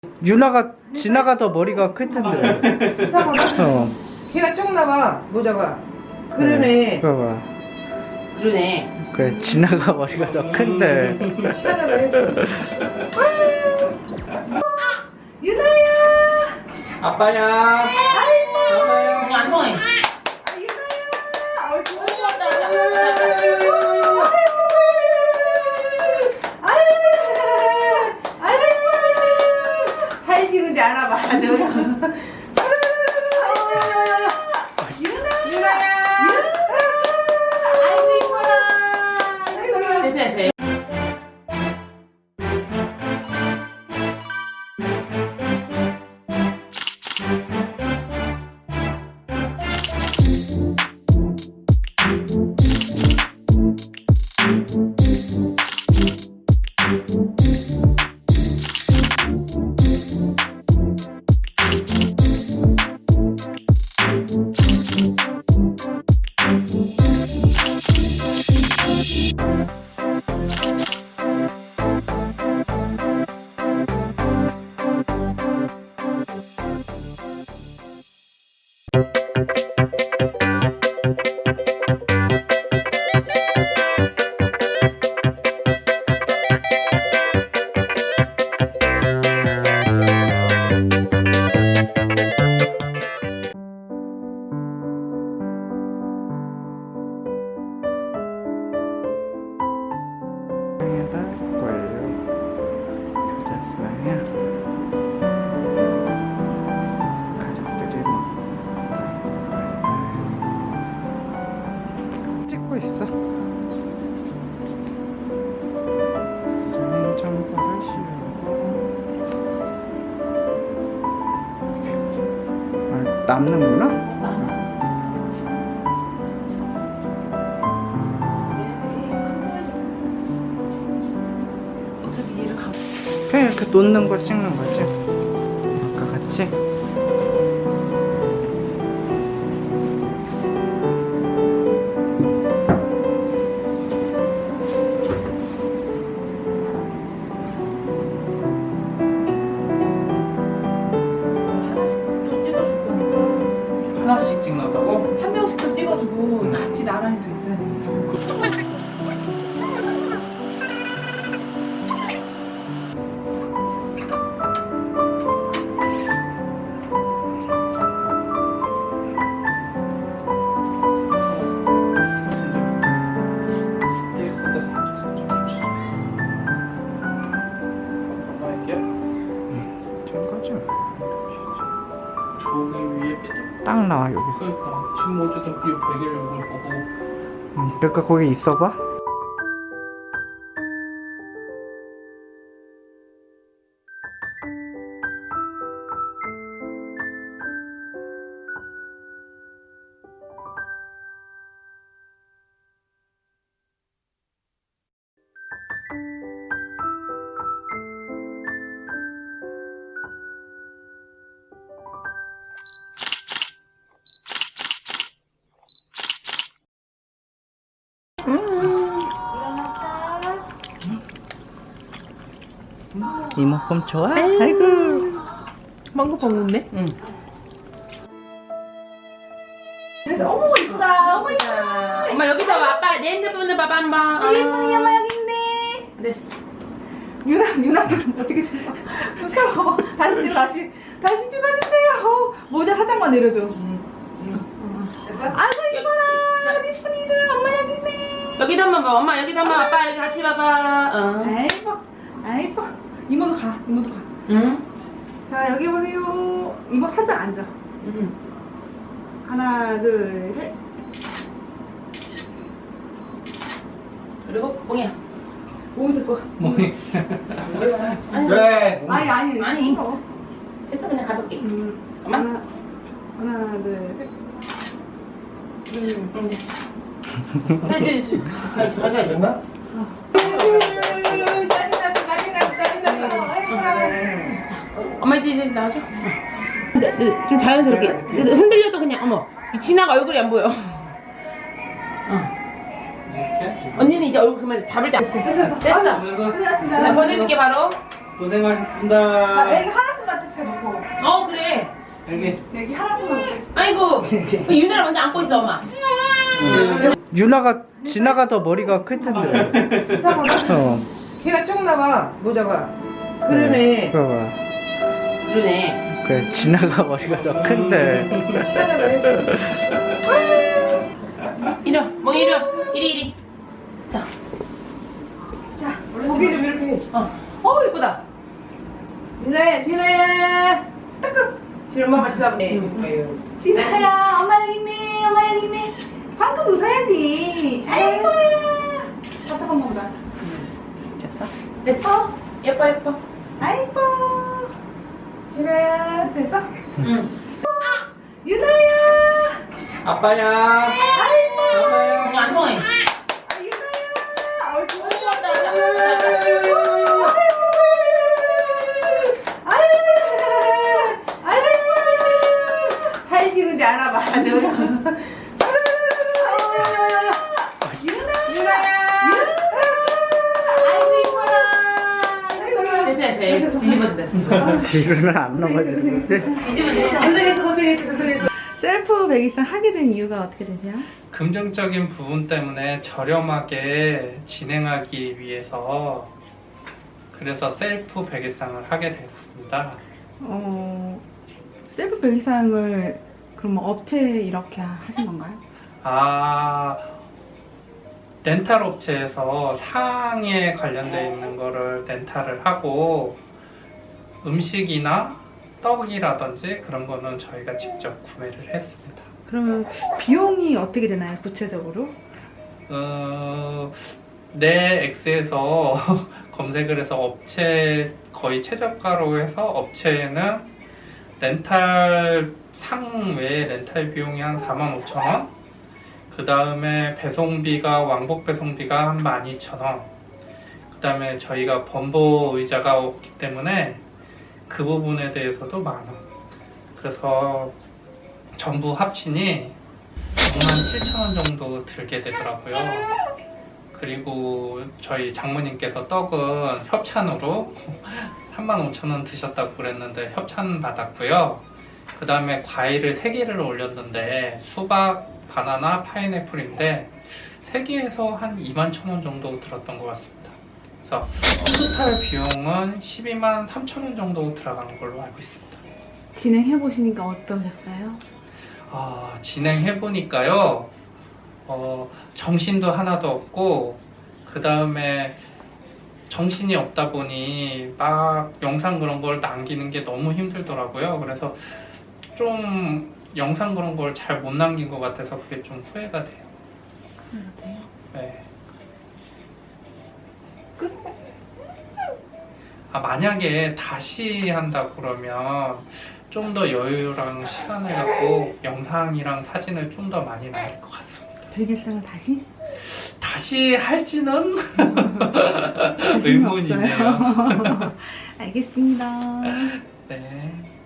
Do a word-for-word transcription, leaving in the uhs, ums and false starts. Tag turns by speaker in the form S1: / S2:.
S1: 유나가 진아가 더 머리가 클 텐데.
S2: 이상하다.
S1: 어.
S2: 걔가 적나봐 모자가. 그러네.
S1: 봐봐.
S3: 그러네.
S1: 그래 진아가 머리가 더 큰데.
S2: 시원하다 했어. 유나야.
S3: 아빠야. 아빠야. 안 통해.
S2: 사진 찍은지 알아봐. 저. 유나야. 아이고 이뻐라. 아이고.
S3: 됐어 됐어.
S1: 찍고 있어. 정보를 씌우고. 아, 남는구나?
S2: 어차피 얘를 가.
S1: 그냥 이렇게 놓는 거 찍는 거지. 아까 같이.
S3: 하나씩 찍는다고?
S2: 한 명씩 더 찍어주고 같이 나란히 또 있어야 돼.
S1: 된 거죠?
S3: 저기 위에 삐뚤.
S1: 딱 나와 여기서.
S3: 그러니까 지금 어쨌든 이 베개를 이걸 보고.
S1: 응, 그러니까 거기 있어봐. 이모품 좋아? 아이고.
S2: 망고 먹네.
S3: 응.
S2: 그래서 어머 이쁘다. 어머 이쁘다.
S3: 엄마 여기 봐봐. 아빠 내 핸드폰을 봐봐 한번.
S2: 여기 예쁜이 엄마 여기 있네.
S3: 됐어.
S2: 유나 유나 어떻게 좀 세워. 다시 찍어 다시 다시 찍어주세요. 어, 모자 살짝만 내려줘. 됐어? 아이고 이뻐라. 우리 예쁜이들 엄마 여기 있네.
S3: 여기도 한번 봐. 엄마 여기도 한번 아빠 여기 같이 봐봐. 어.
S2: 아이 이뻐. 아이 이뻐. 이모도 가. 이모도 가.
S3: 응?
S2: 자 여기 보세요. 이모 살짝 앉아.
S3: 응.
S2: 하나 둘 셋.
S3: 그리고 뽕이야.
S2: 몸이 들 거.
S3: 멍이.
S2: 아니,
S3: 그래.
S2: 아니 아니.
S3: 아니.
S2: 이거.
S3: 됐어 그냥 가볍게.
S2: 음,
S3: 엄마?
S2: 하나 하나 둘 셋.
S3: 응. 응 됐어. 됐지. 다시 다시 해야지.
S2: 짜증났어 짜증났어 짜증났어.
S3: 엄마 이제 이제 나와줘. 근데, 근데 좀 자연스럽게. 근데 흔들려도 그냥 어머 진아가 얼굴이 안 보여. 어.
S4: 이렇게?
S3: 언니는 이제 얼굴 그만 잡을 때 됐어.
S2: 됐어 됐어.
S3: 됐어.
S2: 끝났습니다.
S3: 나 보내줄게 바로.
S4: 고생하셨습니다.
S2: 아, 여기 하나씩만 찍자 놓고.
S3: 어 그래.
S4: 여기.
S2: 여기 하나씩만 찍자.
S3: 아이고 그 유나를 먼저 안고 있어 엄마.
S1: 유나가 진아가 더 머리가 클 텐데.
S2: 이상하다.
S1: 어.
S2: 걔가 적나 봐, 모자가.
S3: 그러네.
S1: 그러봐.
S3: 그러네.
S1: 그래 진아가 머리가 더 큰데.
S2: 시간을 했어.
S3: 이리 와 멍이 이리 와 이리 이리. 자.
S2: 자, 고개 좀 이렇게 해.
S3: 어. 어 예쁘다.
S2: 진아야, 진아야. 따끔. 지금 엄마 같이 나보네. 진아야, 엄마 여기 있네, 엄마 여기 있네. 방금 웃어야지. 아이고. 답답한 건가?
S3: 됐어? 예뻐 예뻐.
S2: 아이고. 진아야, 됐어?
S3: 응.
S2: 유나야.
S4: 아빠야.
S2: 아이고.
S4: 아빠야.
S3: 이거 안 통해.
S2: 아, 유나야. 어이,
S3: 어, 왔다, 왔다, 왔다, 왔다.
S2: 사진 찍은지 알아봐. 저거.
S3: 됐어 됐어. 뒤집어진다 뒤집어.
S1: 뒤로는 안 넘어지는 거지?
S3: 뒤집어진다.
S2: 고생했어, 고생했어, 고생했어. 셀프 백이상 하게 된 이유가 어떻게 되세요?
S5: 금전적인 부분 때문에 저렴하게 진행하기 위해서 그래서 셀프 백일상을 하게 됐습니다.
S2: 어, 셀프 백이상을 그럼 업체에 이렇게 하신 건가요?
S5: 아, 렌탈 업체에서 상에 관련되어 있는 거를 렌탈을 하고 음식이나 떡이라든지 그런 거는 저희가 직접 구매를 했습니다.
S2: 그러면 비용이 어떻게 되나요, 구체적으로?
S5: 어, 내 X에서 검색을 해서 업체 거의 최저가로 해서 업체에는 렌탈 상 외에 렌탈 비용이 한 사만 오천 원, 그 다음에 배송비가 왕복 배송비가 한 만 이천 원, 그 다음에 저희가 범보 의자가 없기 때문에 그 부분에 대해서도 만 원. 그래서 전부 합치니 오만 칠천 원 정도 들게 되더라고요. 그리고 저희 장모님께서 떡은 협찬으로 삼만 오천 원 드셨다고 그랬는데 협찬 받았고요. 그 다음에 과일을 세 개를 올렸는데 수박, 바나나, 파인애플인데 세 개에서 한 이만 천 원 정도 들었던 것 같습니다. 그래서 토탈 비용은 십이만 삼천 원 정도 들어간 걸로 알고 있습니다.
S2: 진행해 보시니까 어떠셨어요?
S5: 아, 진행해보니까요, 어, 정신도 하나도 없고, 그 다음에 정신이 없다 보니 막 영상 그런 걸 남기는 게 너무 힘들더라고요. 그래서 좀 영상 그런 걸 잘 못 남긴 것 같아서 그게 좀 후회가 돼요.
S2: 그래요?
S5: 네.
S2: 끝?
S5: 아, 만약에 다시 한다 그러면 좀 더 여유랑 시간을 갖고 영상이랑 사진을 좀 더 많이 남길 것 같습니다.
S2: 백일상을 다시?
S5: 다시 할지는
S2: 다시는
S5: 의문이네요.
S2: 없어요. 알겠습니다.
S5: 네.